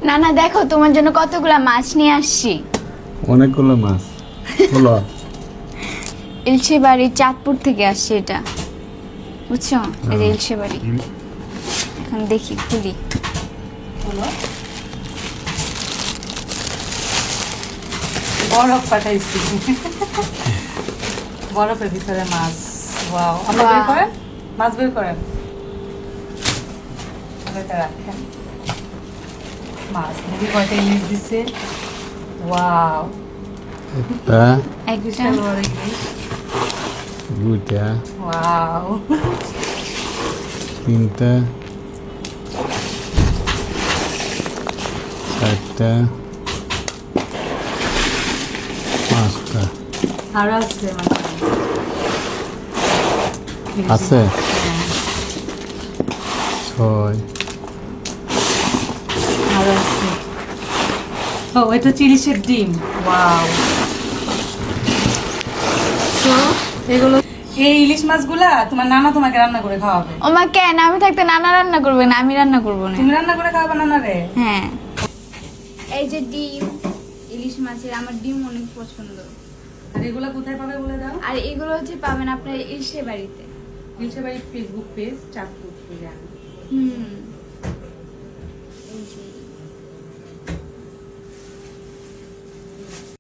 না না দেখো তোমার জন্য কতগুলা মাছ নিয়ে আসছি। অনেকগুলো মাছ হলো। ইলশে বাড়ি চাঁদপুর থেকে আসছে এটা, বুঝছো? এই যে ইলশে বাড়ি। এখন দেখি খুলি। বরফ পাঠাইছি, বরফের ভিতরে মাছ। ওয়াও, আপনি বের করেন, মাছ বের করেন, এটা রাখেন। মাছ মুরগি কয়টা ইলিশ দিছে। ওয়াও, একটা, একটা, বিশাল বড় ইলিশ। দুইটা, ওয়াও, তিনটা, চারটা, পাঁচটা আরো আছে মানে আছে, ছয়, আরো আছে। ও, এটা হচ্ছে ইলিশের ডিম। ওয়াও, তো এগুলো, এই ইলিশ মাছগুলা তোমার নানা তোমাকে রান্না করে খাওয়াবে। ও মা কেন আমি থাকতে নানা রান্না করবে না, আমি রান্না করবো না। তুমি রান্না করে খাওয়াবে নানা রে? হ্যাঁ, এই যে ডিম, ইলিশ মাছের আমার ডিম অনেক পছন্দ। আর এগুলা কোথায় পাবে বলে দাও। আর এগুলো হচ্ছে পাবেন আপনার ইলশে বাড়িতে। ইলিশের বাড়ির ফেসবুক পেজ চাঁদপুর বিরিয়ানি। হুম।